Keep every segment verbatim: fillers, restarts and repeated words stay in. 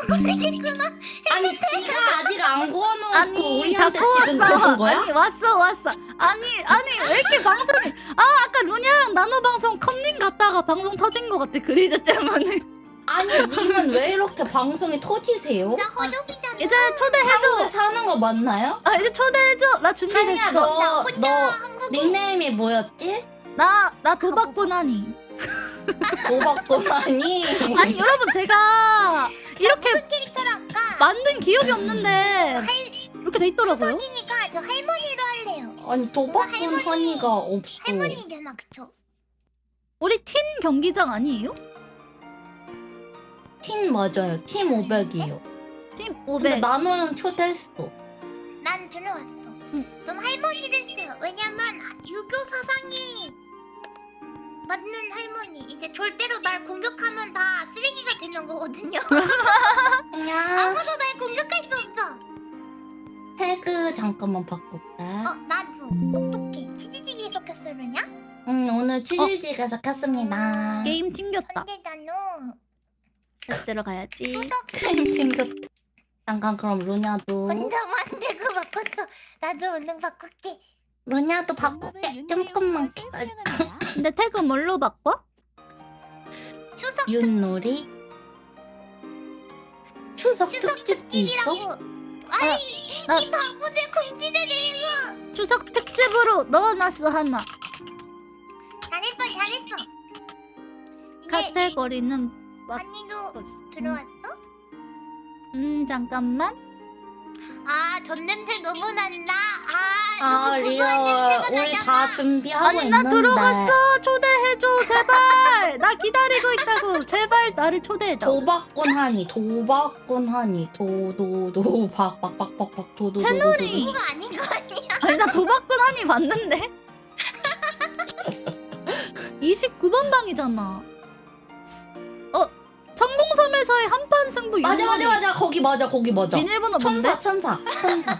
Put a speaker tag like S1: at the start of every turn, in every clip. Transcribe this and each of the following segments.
S1: 구워냈구나.
S2: 아니 지가 아직 안 구워놓고
S3: 아니 다
S2: 우리한테 지금
S3: 구웠어.
S2: 그러는 거야?
S3: 아니 왔어 왔어. 아니 아니 왜 이렇게 방송이? 아 아까 루니아랑 나노 방송 컴닝 갔다가 방송 터진 것 같아 그리즈 때문에.
S2: 아니 님은 왜 이렇게 방송이 터지세요?
S1: 나 허접이잖아.
S3: 이제
S2: 한국에
S3: 초대해줘.
S2: 사는 거 맞나요?
S3: 아 이제 초대해줘. 나
S2: 한이야
S3: 준비됐어.
S2: 너,
S1: 혼자
S2: 너
S1: 한국인.
S2: 닉네임이 뭐였지?
S3: 나 나 도박꾼 하니.
S2: 도박고만이
S3: 아니 여러분 제가 이렇게
S1: 무슨 캐릭터를 할까?
S3: 만든 기억이 없는데
S1: 할
S3: 이렇게 돼 있더라고요.
S1: 수선이니까 저 할머니로 할래요.
S2: 아니 도박꾼
S1: 할머니.
S2: 한이가 없어.
S1: 할머니잖아, 그쵸?
S3: 우리 팀 경기장 아니에요?
S2: 팀 맞아요. 팀 오백이요.
S3: 팀
S2: 근데
S3: 오백.
S2: 나는 초대했어.
S1: 난 들어왔어.
S3: 응.
S1: 전 할머니를 했어요. 왜냐면 유교 사상에 맞는 할머니. 이제 절대로 날 공격하면 다 쓰레기가 되는 거거든요.
S2: 그냥
S1: 아무도 날 공격할 수 없어.
S2: 태그 잠깐만 바꿀까?
S1: 어, 나도 똑똑해. 치즈찌개 섞였어, 그러냐?
S2: 응 오늘 치즈찌개에서 켰습니다.
S3: 게임 튕겼다.
S1: 근데 나는
S3: 다시 들어가야지.
S1: 수석
S2: 게임 챙겼다. 잠깐 그럼 루냐도
S1: 혼자 만들고 바꿨어. 나도 얼른 바꿀게.
S2: 루냐도 바꿀게. 조금만 기다려.
S3: 근데 태그 뭘로 바꿔?
S1: 추석
S2: 윷놀이 추석
S1: 추석
S2: 특집도 있어?
S1: 특집이라고. 아이,
S3: 나-
S1: 이 바보들 공지를 읽어.
S3: 추석 특집으로 넣어놨어 하나.
S1: 잘했어, 잘했어. 이제
S3: 카테고리는 맞.
S1: 언니도 들어왔어?
S3: 음 잠깐만.
S1: 아, 전 냄새 너무 난다. 아,
S2: 아
S1: 너무
S2: 리어
S1: 고소한 냄새가
S2: 우리
S1: 나잖아.
S2: 다 준비하고
S3: 아니 나
S2: 있는데
S3: 들어갔어. 초대해줘 제발. 나 기다리고 있다고. 제발 나를 초대해줘.
S2: 도박꾼 하니 도박꾼 하니 도도도 박박박박박 도도
S3: 채널이-
S1: 그거 아닌 거 아니야?
S3: 아니 나 도박꾼 하니 봤는데. 이십구 번 방이잖아. 어 천공섬에서의 한판 승부.
S2: 맞아
S3: 윷놀이.
S2: 맞아 맞아 거기 맞아 거기 맞아
S3: 비밀번호
S2: 천사
S3: 뭔데?
S2: 천사 천사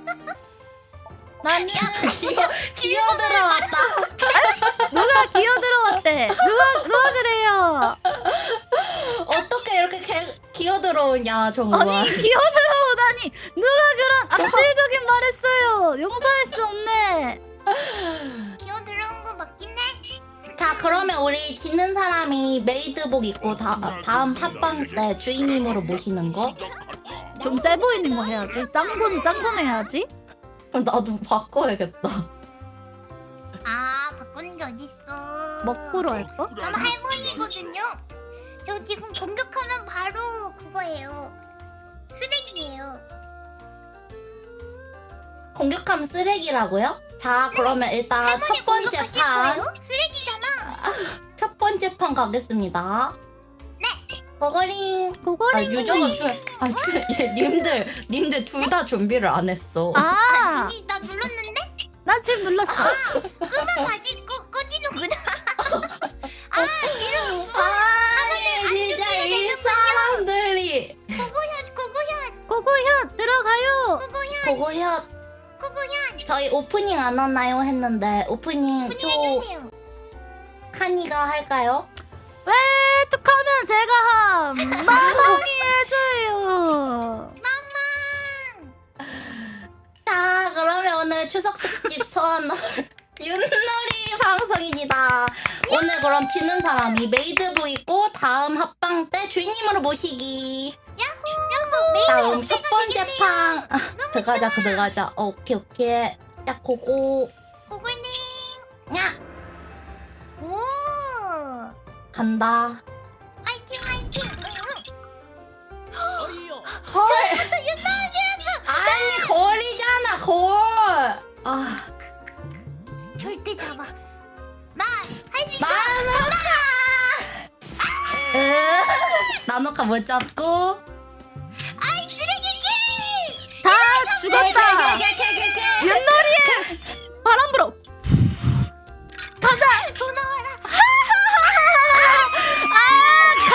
S3: 나는
S2: 기어 기어 들어왔다.
S3: 누가 기어 들어왔대? 누가 누가 그래요?
S2: 어떻게 이렇게 개, 기어 들어오냐 정말.
S3: 아니 기어 들어오다니 누가 그런 악질적인 말했어요? 용서할 수 없네.
S1: 기어 들어온 거 맞긴 해.
S2: 자 그러면 우리 지는 사람이 메이드복 입고 다, 다음 팟빵 때 주인님으로 모시는 거?
S3: 좀 세 보이는 거 해야지. 짱군 짱군 해야지.
S2: 그럼 나도 바꿔야겠다.
S1: 아, 바꾸는 게 어딨어.
S3: 먹구로 할까?
S1: 저는 할머니거든요. 저 지금 공격하면 바로 그거예요. 쓰레기예요.
S2: 공격하면 쓰레기라고요? 자 그러면 일단
S1: 할머니
S2: 첫 번째
S1: 공격하실
S2: 판
S1: 거예요? 쓰레기잖아.
S2: 첫 번째 판 가겠습니다.
S1: 네.
S2: 거거링. 아
S3: 고고리.
S2: 유정은 줄. 아 주- 얘, 님들 님들 둘 다 준비를 안 했어.
S3: 아,
S1: 이미 나 눌렀는데?
S3: 나 지금 눌렀어.
S1: 끄면 다시 꺼, 꺼지는구나. 아, 뒤로
S2: 아니 진짜 이 사람들이
S1: 고고현, 고고현,
S3: 고고현 들어가요.
S1: 고고현,
S2: 고고현
S1: 고고현.
S2: 저희 오프닝 안 하나요 했는데 오프닝
S1: 분이
S2: 초
S1: 해주세요.
S2: 한이가 할까요?
S3: 왜 툭하면 제가 함. 마망이 해줘요.
S2: 자 그러면 오늘 추석 특집 소환 윷놀이 방송입니다. 오늘 그럼 지는 사람이 메이드복 입고 다음 합방 때 주인님으로 모시기.
S1: 야호.
S2: 다음 첫 번째 판 아, 들어가자 그 들어가자. 어, 오케이 오케이. 야 고고
S1: 고고님.
S2: 야
S1: 오.
S2: 간다.
S1: 화이팅, 화이팅. 응,
S2: 헐. 아니 거리잖아 걸. 아
S1: 응. 절대 잡아. 나 할 수 있어.
S2: 나노카. 으 나노카 못 잡고.
S1: 아이, 쓰레기 게임.
S3: 다 죽었다.
S2: 개개개개개.
S3: 윷놀이에 바람 불어. 가자.
S1: 더 나와라.
S3: 아,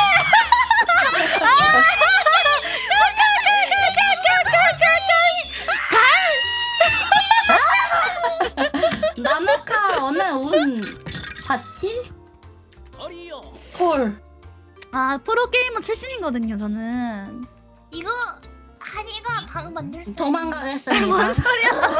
S2: 나노카 오늘 운 봤지? 헐.
S3: 아 프로 게이머 출신이거든요 저는.
S1: 이거 한이가 방 만들 수
S2: 도망가겠습니다.
S3: 뭔 소리야? 뭐가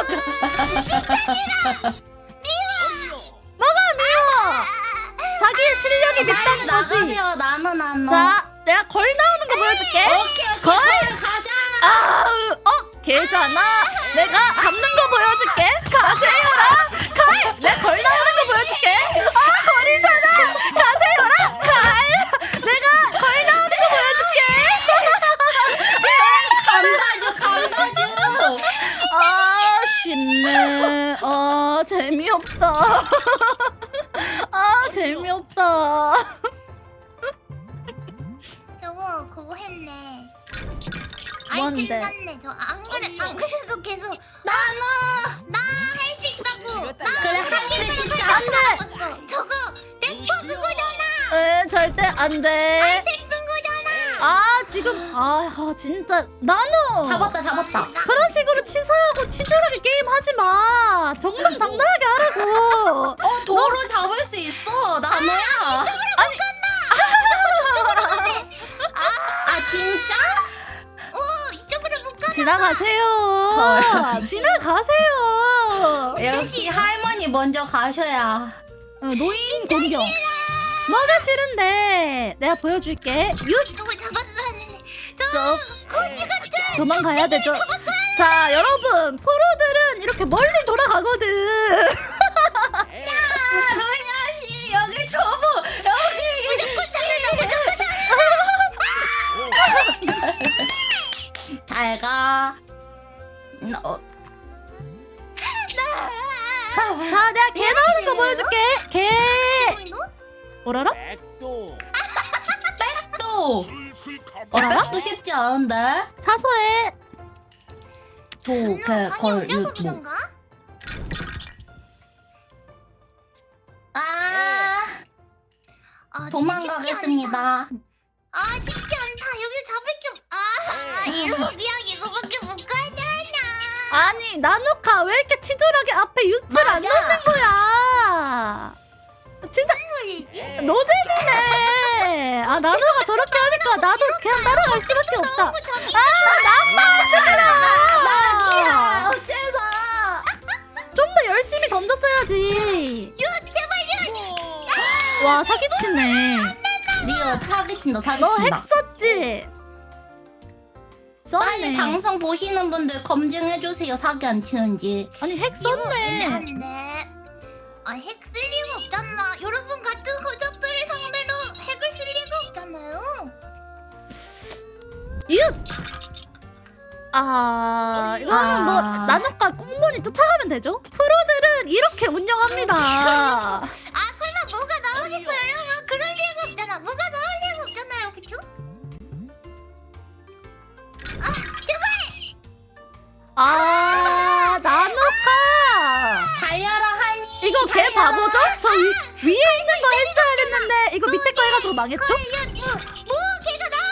S3: 미워? 자기의 실력이 밉다는 거지.
S2: 나가세요. 나눠 나눠.
S3: 자, 내가 걸 나오는 거 보여줄게.
S2: 오케이 오케이.
S3: 걸.
S2: 가자.
S3: 아, 어, 걔잖아. 내가 잡는 거 보여줄게. 가세요라. 갈. 내가 걸 나오는 거 보여줄게. 아, 걸이잖아. 가세요라. 갈. 내가 걸 나오는 거 보여줄게.
S2: 감사주 감사주.
S3: 아, 쉽네. 아, 재미없다. 아, 재미없다.
S1: 저거 그거 했네.
S3: 뭔데?
S1: 아이템 샀네. 저 안 그래 안 그래도 계속
S2: 나눠.
S1: 나 할 수 있다고. 나
S2: 그래 하기를 진짜
S3: 안 돼.
S1: 돼. 저거 렉버 그거잖아.
S3: 에, 절대 안 돼.
S1: 텍 쓴 거잖아.
S3: 아, 지금 아, 아 진짜 나노.
S2: 잡았다 잡았다.
S3: 그런 식으로 치사하고 치졸하게 게임하지 마. 정당당당하게 하라고.
S2: 어 도로 잡을 수 있어. 나눠야. 아 진짜?
S1: 어 이쪽으로 못 가.
S3: 지나가세요. 지나가세요.
S2: 역시 할머니 먼저 가셔야.
S3: 어, 노인 공격. 뭐가 싫은데? 내가 보여줄게. 윷.
S1: 저거 잡았어야 했는데. 저
S3: 저
S1: 거지 같은.
S3: 도망가야 되죠. 자, 여러분 프로들은 이렇게 멀리 돌아가거든.
S2: 아 루냐 씨 여기 저보 여기.
S1: 무조건 잡는다. 무조건.
S2: 잘 가. 어.
S3: 자, 내가 개 나오는 거 보여줄게. 개. 뭐라라?
S4: 백도
S2: 또. 어,
S3: 알아?
S2: 백도 쉽지 않은데.
S3: 사소해.
S2: 도, 개, 걸, 육, 목.
S1: 그런가?
S2: 아,
S1: 아,
S2: 도망가겠습니다.
S1: 아 쉽지 않다. 여기 잡을 게 없. 아 이거 그냥 이거밖에 못 가잖아.
S3: 아니, 나노카 왜 이렇게 치졸하게 앞에 유출 안
S2: 맞아.
S3: 넣는 거야? 진짜
S1: 무슨 소리지?
S3: 노잼이네. 아, 나노가 저렇게 하니까 나도 그냥 따라갈 수밖에 없다.
S1: 너무 저기
S2: 야,
S3: 아,
S2: 어째서?
S3: 좀 더 열심히 던졌어야지.
S1: 유 제발 유.
S3: 와, 사기치네.
S2: 리오 사기친다, 사기친다.
S3: 너 핵 썼지?
S2: 빨리
S3: 썼네.
S2: 방송 보시는 분들 검증해주세요, 사기 안 치는지.
S3: 아니, 핵 썼네.
S1: 한데. 아핵 쓸 리가 없잖아. 여러분 같은 허접들을 상대로 핵을 쓸 리가 없잖아요.
S3: 윷! 아, 이거는 뭐
S2: 아.
S3: 나노카 꽁무니 쫓아가면 되죠? 프로들은 이렇게 운영합니다.
S1: 아 설마 뭐가 나오겠어요, 여러분? 그럴 리가 없잖아. 뭐가 나올 리가 없잖아요, 그쵸?
S3: 아, 나노카!
S2: 달려라, 하니.
S3: 이거 걔 바보죠? 저 위, 위에 있는 거 했어야 됐는데 이거 밑에 거 해가지고 망했죠?
S1: 야, 뭐, 뭐 걔가 나?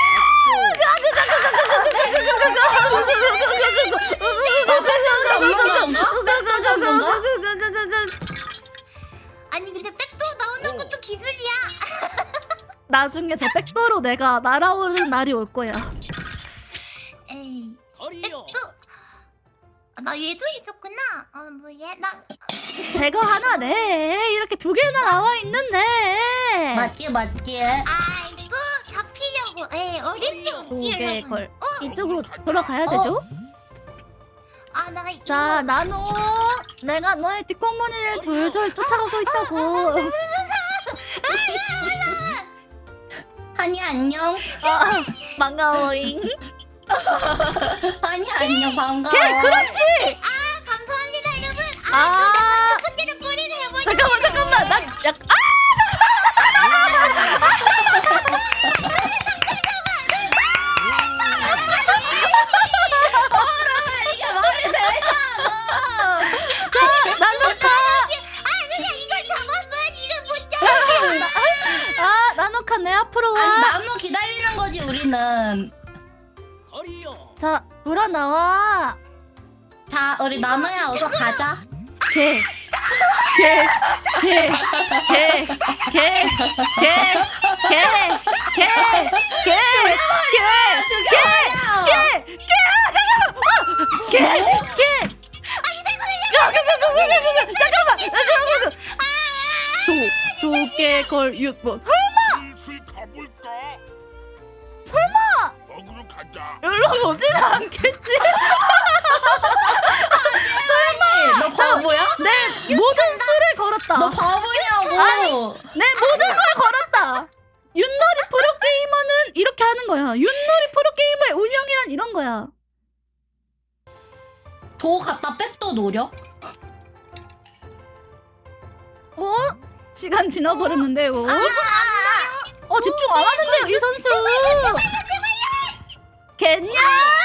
S1: 아니 근데 백도 나오는 것도 기술이야.
S3: 나중에 저 백도로 내가 날아오르는 날이 올 거야.
S1: 에이,
S4: 거리요
S1: 백도. 아, 나 얘도 있었구나. 어, 뭐 얘, 나
S3: 제거 하나 내. 이렇게 두 개나 나와 있는데.
S2: 맞지, 맞지.
S1: 아이고 잡히려고. 에이, 어림도 없지,
S3: 두 개
S1: 여러분.
S3: 걸. 이쪽으로 돌아가야 되죠?
S1: 아, 나 이거.
S3: 자, 나노. 내가 너의 뒷공무니를 졸졸 쫓아가고 있다고.
S2: 하니, 안녕.
S3: 아, 반가워잉.
S2: 하니, 안녕, 반가워.
S3: 걔 그렇지.
S1: 아, 감사합니다, 여러분. 아,
S3: 아,
S1: 컨디를 뿌리를 해버려.
S3: 잠깐만 잠깐만. 난 약. 아!
S2: 이게 말이 되잖아.
S3: 자, 나노카.
S1: 아, 그냥 이걸 잡았어야지. 이걸 못 잡았어.
S3: 아, 나노카 내 앞으로
S2: 아니,
S3: 와.
S2: 나무 기다리는 거지, 우리는.
S4: 거리요
S3: 자, 돌아 나와.
S2: 자, 우리 나무야, 어서 가자.
S3: 걔. 개, 개, 개, 개, 개, 개, 개, 개, 개, 개, 개, 개, 개, 개, 개. 잠깐만, 잠깐만. 도, 도개, 걸, 육, 뭐.
S5: 슬슬 가볼까?
S3: 설마
S5: 먹으러 가자.
S3: 연락 오진 않겠지?
S2: 너 바보야?
S3: 내 모든 수를 걸었다.
S2: 너 바보냐고.
S3: 아니. 내 모든 걸 걸었다. 윷놀이 프로게이머는 이렇게 하는 거야. 윷놀이 프로게이머의 운영이란 이런 거야.
S2: 도 갖다 백도 노려?
S3: 어? 시간 지나버렸는데 이거. 어 집중 안 하는데요 이 선수. 겠냐?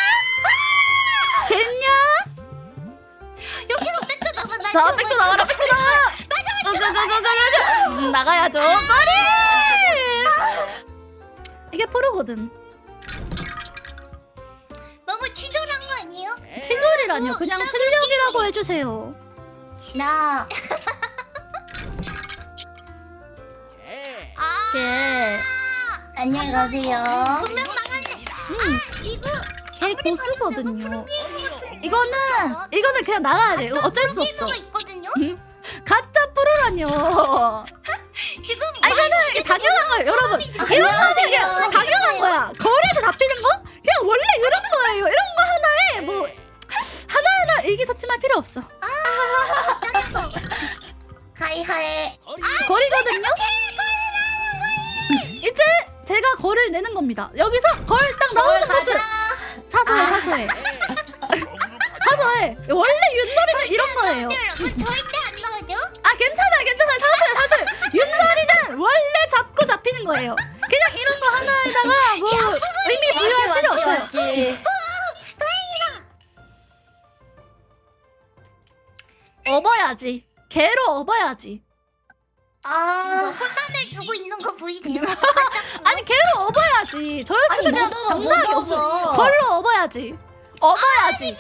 S3: 겠냐?
S1: 여기서 백도 나가. 나
S3: 자 백도 나가라 백도 나가라. 으그그그그그. 음, 나가야죠. 꼬리. 이게 프로거든.
S1: 너무 치졸한 거 아니에요?
S3: 치졸이라뇨. 그냥 실력이라고 해주세요.
S2: 나
S4: 개.
S1: 아,
S3: 걔.
S2: 안녕히 가세요.
S1: 분명 망했네.
S3: 음,
S1: 이거
S3: 걔 고수거든요.
S1: 프로게이머가
S3: 이거는 이거는 그냥 나가야 돼. 이거 어쩔 수 없어.
S1: 프로게이머가 있거든요.
S3: 가짜 프로라뇨.
S1: 지금
S3: 아 이거는 이게 당연한 거예요, 여러분. 이런 거 이게 당연한 거야. 거리에서 잡히는 거? 그냥 원래 이런 거예요. 이런 거 하나에 뭐 하나하나 의기소침할 필요 없어.
S1: 짜증나.
S2: 하이하이.
S4: 거리.
S3: 거리거든요. 이제 제가 거리를 내는 겁니다. 여기서 걸 딱 나오는 모습. 사소해, 사소해,
S5: 먹으러 가자.
S3: 사소해. 원래 윷놀이는 이런 거예요.
S1: 너 절대 안 나가죠?
S3: 아 괜찮아, 괜찮아. 사소해, 사소해. 윷놀이는 원래 잡고 잡히는 거예요. 그냥 이런 거 하나에다가 뭐 의미 부여할 필요 없어요.
S2: 맞지.
S3: 업어야지. 개로 업어야지.
S1: 너
S2: 아.
S1: 혼란을 주고 있는 거 보이세요?
S3: 아니 개로 업어야지. 저였으면 그냥
S2: 못 업어,
S3: 당당하게
S2: 못
S3: 없어.
S2: 업어.
S3: 걸로 업어야지. 업어야지.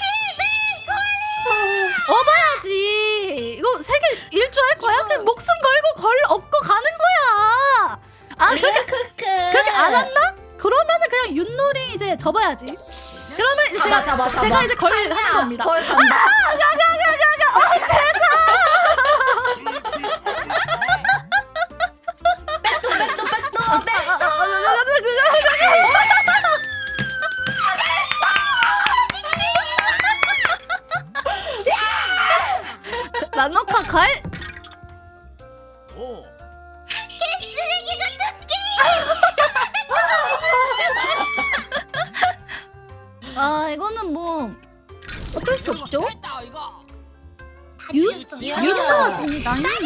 S3: 업어야지. 이거 세계 일주할 거야? 그냥 목숨 걸고 걸 업고 가는 거야. 아 그렇게
S2: 크크.
S3: 그렇게 안 한다? 그러면은 그냥 윷놀이 이제 접어야지. 그러면 이제
S2: 잡아,
S3: 제가
S2: 잡아, 잡아.
S3: 제가 이제 걸 하는 겁니다.
S2: 걸 간다. 백도 백도 백도
S3: 아,
S2: 백.
S3: 아, 아, 아, 아, 그, 나노카 갈.
S4: 도.
S1: 쓰레기 같은 게.
S3: 아 이거는 뭐 어쩔 수 없죠.
S4: 했다 이거.
S3: 윷
S2: 지연아.
S3: 윷 나왔습니다. 윷.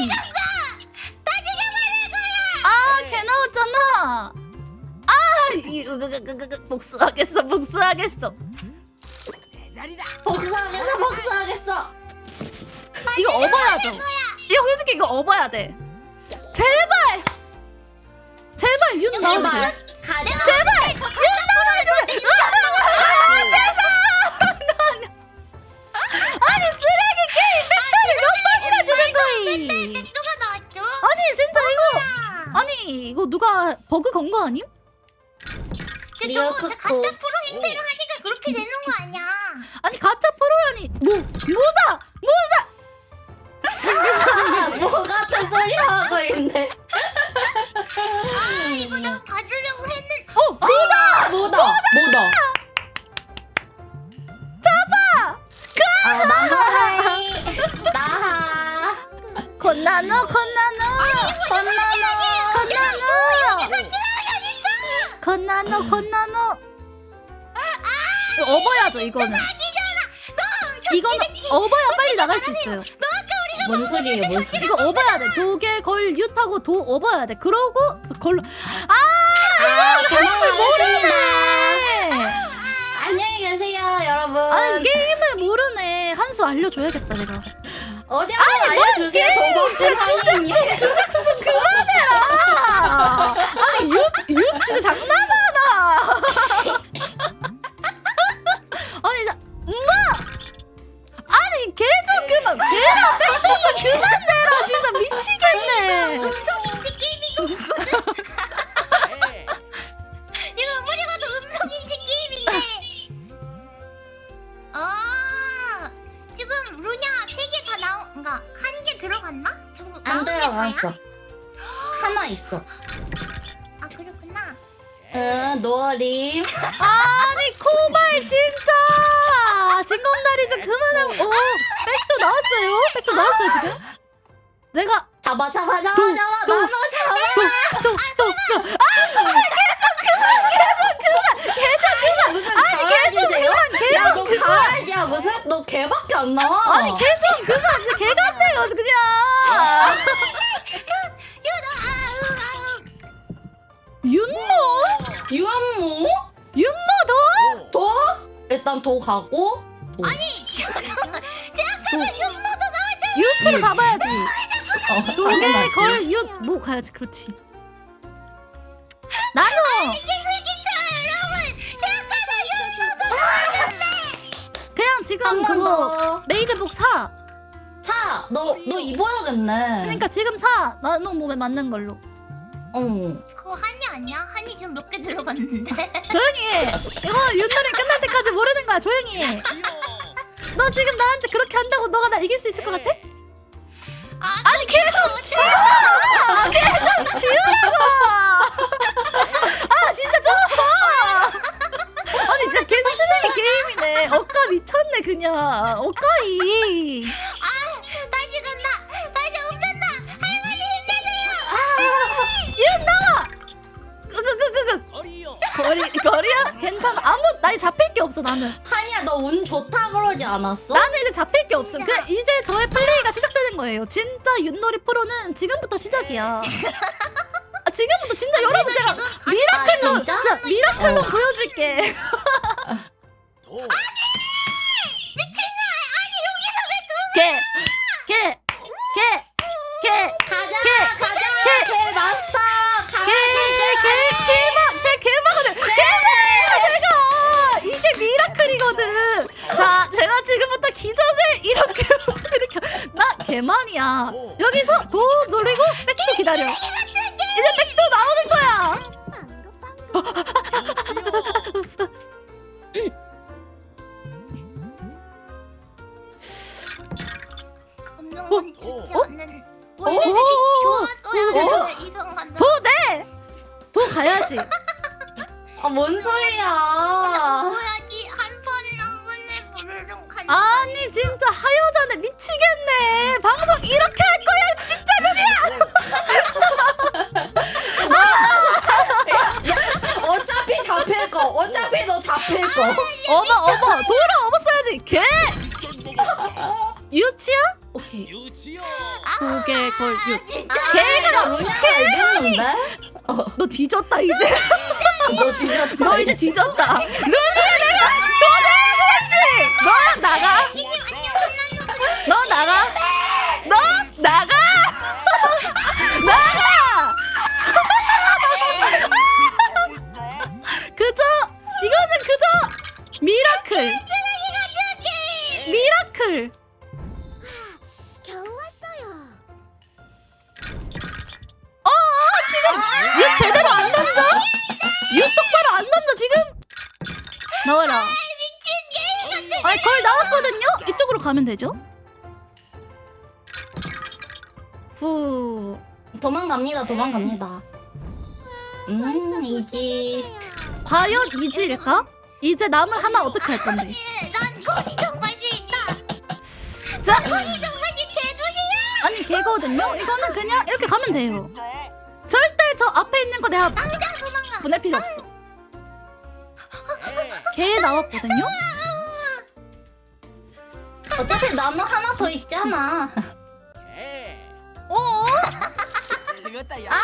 S3: 아, 개 나왔잖아. 아, 이- 으, 으, 으, 으, 으, 복수하겠어, 복수하겠어.
S4: 내 자리다.
S2: 복수하겠어 복수하겠어.
S3: 이거 업어야죠. 이거 솔직히 이거 업어야 돼. 제발, 제발 윷 나와주세요.
S2: 제발 가자.
S3: 제발 윷 나와주세요. 으아, 죄송. 아니 쓰레기 게임 백달이 몇 번이나 주는 거이.
S1: 누가 나왔죠?
S3: 아니 진짜 이거.
S1: 아,
S3: 아니 이거 누가 버그 건 거 아님?
S2: 리얼
S1: 저거
S2: 크크.
S1: 가짜 프로 행세를 하니까 그렇게 되는 거 아니야?
S3: 아니 가짜 프로라니 뭐 뭐다 뭐다.
S2: 뭐 같은 소리 하고 있네.
S1: 아 이거 내가 봐주려고 했는데.
S3: 어 뭐다.
S2: 뭐다 뭐다. 아 나하이 나하
S3: 건나노 건나노
S2: 건나노
S3: 건나노 건나노 건나노. 이거 업어야죠 이거는. 이거는 업어야 빨리 나갈 수 있어요.
S2: 뭔 소리예요 뭔 소리.
S3: 이거 업어야 돼. 도개 걸 윷하고 도 업어야 돼. 그러고 걸로. 아 이거 할 줄 모르네.
S2: 안녕히 계세요 여러분.
S3: 아니 게임을 모르네. 한 수 알려줘야겠다 내가.
S2: 어디 한번 알려주세요.
S3: 진짜 주작 좀 주작 좀 그만해라. 아니 윷윷 진짜 장난하나. 아니 자, 엄마. 아니 걔 좀 그만. 걔랑 백도 좀 그만.
S2: 많았어. 하나 있어.
S1: 아 그렇구나.
S2: 응, 노어림.
S3: 아니 코발 진짜 징검다리 좀 그만하고. 오 백도 나왔어요. 백도 나왔어요 지금. 내가
S2: 잡아, 잡아, 잡아,
S3: 또,
S2: 잡아.
S3: 또,
S2: 나눠 잡아.
S3: 또또또 아 코발 개좀 그만 개좀 그만 개좀 그만.
S2: 무슨
S3: 아니 개좀
S2: 강아지세요?
S3: 그만
S2: 야,
S3: 개좀
S2: 너
S3: 그만.
S2: 강아지야, 무슨? 너 개밖에 안 나와.
S3: 아니 개 좀 그만 진짜 개 같네요 그냥. 윤모?
S2: 유한무?
S3: 윤모 더?
S2: 도? 일단 도 가고. 아니,
S3: 유치로 잡아야지.
S2: 어,
S3: 도개
S2: 당연하지.
S3: 걸 유 뭐 가야지 그렇지. 나도 그냥 지금
S2: 한 번
S3: 그거
S2: 더.
S3: 메이드복 사.
S2: 사, 너, 너 입어야겠네.
S3: 그러니까 지금 사. 나는 몸에 맞는 걸로.
S2: 응.
S1: 그거 한이 아니야? 한이 지금 몇 개 들어갔는데.
S3: 조용히 해. 이거 윷놀이 끝날 때까지 모르는 거야. 조용히 해. 너 지금 나한테 그렇게 한다고 너가 나 이길 수 있을 것 같아?
S1: 아,
S3: 아니 걔 좀 치워! 걔 좀 치우라고! 아 진짜 좀! 아니 진짜 걔 쓰레기 게임이네. 억까 미쳤네 그냥. 억까이.
S1: 아, 다시 간다. 다시 없는다. 할머니 힘내세요.
S3: 얘 나와! 끄끄끄끄.
S4: 거리요.
S3: 거리 거리야? 괜찮아. 아무 나 잡힐 게 없어 나는.
S2: 한이야, 너 운 좋다 그러지 않았어?
S3: 나는 이제 잡힐 게 없음. 그 이제 저의 플레이가 시작되는 거예요. 진짜 윷놀이 프로는 지금부터 시작이야. 아, 지금부터 진짜 여러분 제가 미라클로
S2: 아, 진짜?
S3: 진짜 미라클로
S2: 어.
S3: 보여줄게.
S4: 도.
S3: 개, 개, 개, 개,
S2: 가자,
S3: 개,
S2: 가자.
S3: 개.
S2: 개 마스터. 가자,
S3: 개, 개, 개막, 제 개막을 개막이야 제가. 이게 미라클이거든. 자, 제가 지금부터 기적을 이렇게 이렇게 나 개만이야. 여기서 도 노리고 백도 기다려. 이제 백도 나오는 거야.
S1: 없는 건 좋지
S4: 어?
S1: 않는.
S3: 오,
S1: 원래 좋았어야
S3: 괜찮아.
S1: 되는 이성한테.
S3: 도 내. 도 가야지.
S2: 아, 뭔 소리야.
S1: 먹어야지 한 번 한 번에 부르릉 간.
S3: 아니 진짜 하여자네 미치겠네. 방송 이렇게 할 거야 진짜 루디야.
S2: 어차피 잡힐 거. 어차피 너 잡힐 거.
S3: 어머 어머 돌아 어머 써야지. 개
S5: 미션 먹었다.
S3: 유치야? 오케이.
S4: 유치요.
S3: 도개 걸 유.
S2: 걔가 루냐가 이겼는데?
S3: 너 뒤졌다 이제.
S2: 너 뒤졌다.
S3: 너 이제 뒤졌다. 루디야 내가 너 내가 그랬지. 너 나가. 너 나가. 너 나가. 나가.
S5: 가볼까?
S3: 그저 이거는 그저 미라클. 미라클.
S1: 겨우 왔어요.
S3: 어 지금 얘 제대로 안 던져? 얘 똑바로 안 던져 지금? 나와라. 미친 개. 아니 거의 나왔거든요. 이쪽으로 가면 되죠? 후.
S2: 도망갑니다. 도망갑니다. 음, 이지.
S3: 과연 이질일까? 이제 남은 하나 어떻게 할 건데?
S1: 예, 난 거기 정말 싫다.
S3: 자,
S1: 거기 정말 개도시야.
S3: 아니 개거든요. 이거는 그냥 이렇게 가면 돼요.
S5: 가볼까?
S3: 절대 저 앞에 있는 거 내가
S1: 당장 도망가.
S3: 보낼 필요 없어.
S4: 개.
S3: 개 나왔거든요.
S2: 어차피 나는 하나 더 있잖아.
S4: 개.
S3: 어?
S4: 이것다 야.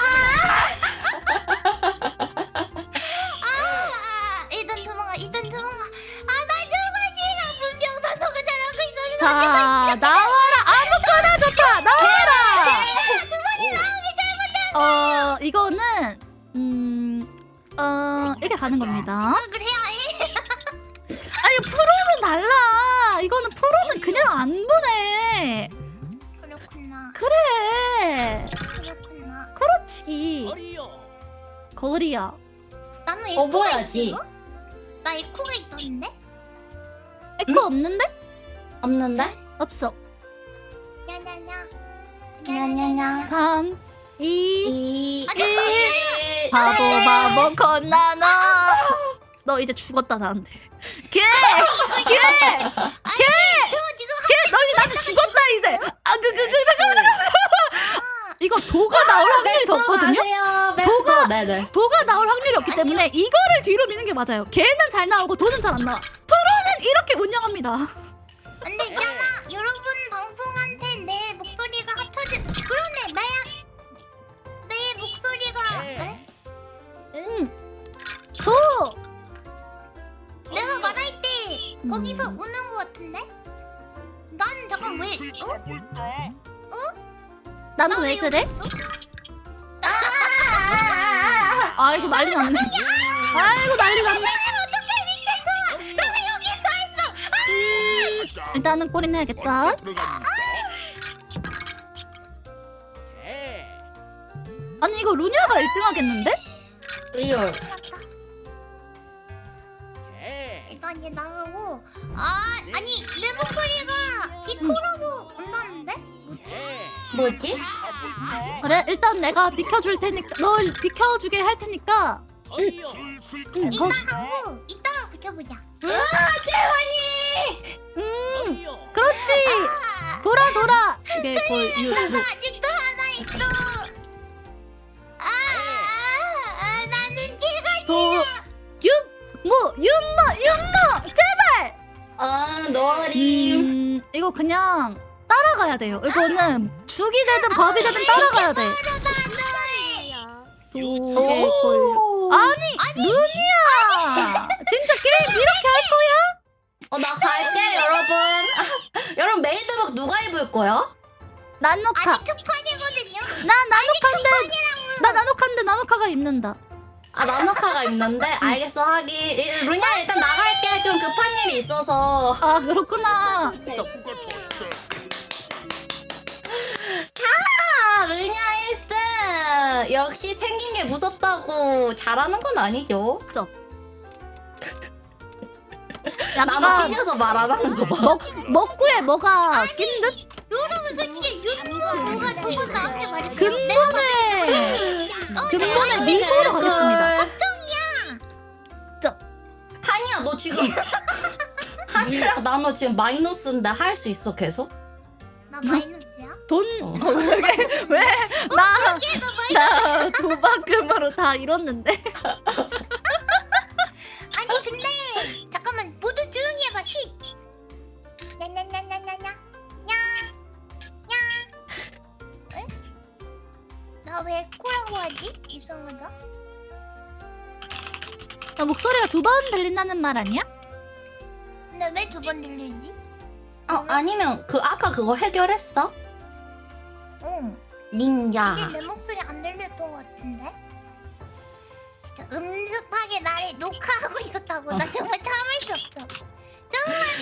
S1: 아, 일단 도망가. 일단 도망가. 아, 나 정말 싫어. 분명 난 너가 잘하고 있었는데.
S3: 자, 나와라. 아무거나 좋다. 나와라. 어, 이거는 음, 어 이렇게 가는 겁니다.
S1: 생각을 해야 해.
S3: 아니 프로는 달라. 이거는 프로는 그냥 안 보내.
S1: 그렇구나.
S3: 그래.
S1: 그렇구나.
S3: 그렇지.
S4: 거리요.
S3: 거리야.
S1: 나는
S2: 어,
S1: 에코가
S2: 뭐야지?
S1: 있어? 나 에코가 있던데?
S3: 에코 없는데?
S2: 없는데?
S3: 없어.
S1: 야야야.
S2: 냐냐냐.
S3: 삼, 이
S2: 이,
S1: 아니,
S2: 일.
S3: 바보 바보 건나나. 너 이제 죽었다 나한테. 걔! 걔! 걔! 걔! 너 이제 나한테 죽었다 이제. 아, 그, 그, 그, 잠깐만, 잠깐만. 이거 도가 나올 확률이 더 없거든요?
S2: 아세요?
S3: 도가-
S2: 네네.
S3: 도가 나올 확률이 없기 때문에 이거를 뒤로 미는 게 맞아요. 걔는 잘 나오고 도는 잘 안 나와. 프로는 이렇게 운영합니다.
S1: 근데 있잖아 여러분 방송한테 내 목소리가 합쳐진 그러네 나야 내 목소리가
S4: 네.
S1: 에?
S3: 도!
S1: 내가 말할 때
S3: 음.
S1: 거기서 우는 거 같은데? 난 잠깐 왜
S5: 슬슬
S1: 어?
S5: 가볼까?
S3: 나는
S1: 나
S3: 왜
S1: 여기
S3: 그래?
S1: 있어?
S3: 아 이거 난리 났네. 아이고 난리 났네.
S1: 어떡해 미친놈아 나 왜 여기 서 있어
S3: 일단은 꼬리 내야겠다.
S5: 들어갑니다.
S4: 개.
S3: 아니 이거 루니아가 일 등 하겠는데?
S2: 리얼.
S4: 개.
S1: 일단 얘 나가고 아 아니 내 목소리가 디코라고 온다는데?
S4: 개.
S2: 뭐지?
S5: 가볼까?
S3: 그래 일단 내가 비켜줄 테니까 널 비켜주게 할 테니까.
S4: 어이요.
S5: 슬슬
S3: 응, 거,
S1: 이따 하고 이따가 붙여보자
S3: 음
S4: 어이요.
S3: 그렇지.
S1: 아,
S3: 돌아 돌아. 이게 거의 유, 유.
S1: 나 아직도 하나 있어 아, 아, 아 나는 걔가
S3: 도, 윤, 뭐, 윤모, 윤모, 제발!
S2: 어, 노림.
S3: 음, 이거 그냥 따라가야 돼요. 이거는 죽이 되든 밥이 되든 따라가야 돼. 도개 걸. 아니, 루니아! 진짜 게임 이렇게 할 거야?
S2: 어, 나 갈게, 여러분. 여러분, 메이드복 누가 입을 거야?
S3: 나노카.
S1: 아직 급판이거든요
S3: 나 나노카인데, 나 나노카인데 나노카가 입는다.
S2: 아, 나노카가 입는데? 알겠어, 하긴. 이- 루니아, 일단 나갈게. 좀 급한 일이 있어서.
S3: 아, 그렇구나.
S5: 누가 좋대?
S2: 아, 루니아 일 승! 역시 생긴 게 무섭다고 잘하는 건 아니죠? 나만
S3: 약간
S2: 삐져서 말 안 하는 거 봐.
S3: 먹, 먹구에 뭐가 낀 듯?
S1: 여러분 솔직히 윤모 뭐가 누구 나한테 말했어
S3: 근본에,
S1: 어,
S3: 근본에
S2: 네.
S3: 미국으로 가겠습니다.
S2: 한이야, 너 지금. 한이랑 나너 지금 마이너스인데 할 수 있어, 계속?
S1: 나 마이너스야?
S3: 돈,
S2: 어.
S3: 어, 왜, 왜, 나,
S1: 얘도 마이너스
S3: 나 도박금으로 다 잃었는데.
S1: 아니 근데 잠깐만 모두 조용히 해봐 시 냐냐냐냐냐냐 나왜 코라고 하지? 이상하다
S3: 야, 목소리가 두 번 들린다는 말 아니야?
S1: 근데 왜 두 번 들리지?
S2: 어, 아니면 그 아까 그거 해결했어?
S1: 응
S2: 닌자.
S1: 이게 내 목소리 안 들렸던 것 같은데? 진짜 음습하게 나를 녹화하고 있었다고 나 정말 참을 수 없어 정말